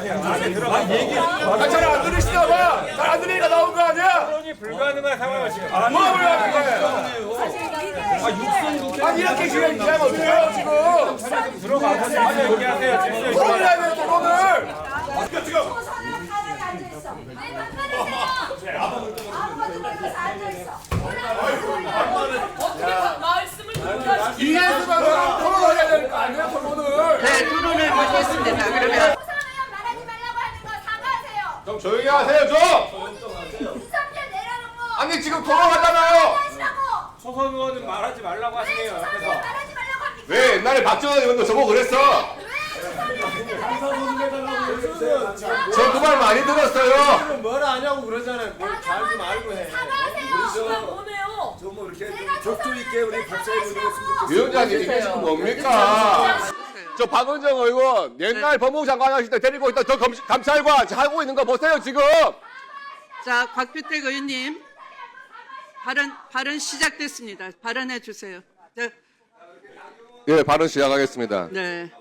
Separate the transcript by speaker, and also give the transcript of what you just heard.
Speaker 1: 잘 안 들으시나 봐. 잘 안 들으니까 나온 거 아니야?
Speaker 2: 토론이 불가능한 상황을 지금.
Speaker 1: 뭐야 아니 이렇게 지금 얘기하면 어떡해요 지금?
Speaker 2: 들어가서 얘기하세요. 질서 있게.
Speaker 1: 토론을 해야 돼 토론을.
Speaker 3: 소선은 가만히 앉아있어. 왜 반말하세요? 아무것도 모르면서 앉아있어.
Speaker 1: 이해수만 토론을 해야 될 거 아니야 토론을.
Speaker 4: 네, 토론을 하겠습니다. 그러면
Speaker 3: 소선 의원 말하지 말라고 하는 거 사과하세요.
Speaker 1: 좀 조용히 하세요 좀.
Speaker 3: 윤석열 내라는 거.
Speaker 1: 아니 지금 토론하잖아요.
Speaker 3: 하시라고.
Speaker 2: 소선 의원은 말하지 말라고 하시네요.
Speaker 3: 소선
Speaker 2: 옆에서.
Speaker 3: 의원 말하지 말라고 합니까?
Speaker 1: 왜 옛날에 박정희 의원도 저보고 그랬어?
Speaker 3: 왜 소선 의원한테 말하지 말라고 합니까?
Speaker 1: 저 그 말 많이 들었어요.
Speaker 5: 뭐라 하냐고 그러잖아요. 뭘 잘 좀 알고 해.
Speaker 3: 사과하세요.
Speaker 5: 좀 이렇게 격조 있게 우리 박사님 의견했으면 좋겠어요.
Speaker 1: 위원장님 이게 지금 뭡니까? 저 박은정 의원 옛날 법무부 장관 하실 때 데리고 있던 저 감찰관 하고 있는 거 보세요 지금.
Speaker 4: 자, 곽규택 의원님 발언 시작됐습니다. 발언해 주세요. 네.
Speaker 1: 예 발언 시작하겠습니다.
Speaker 4: 네.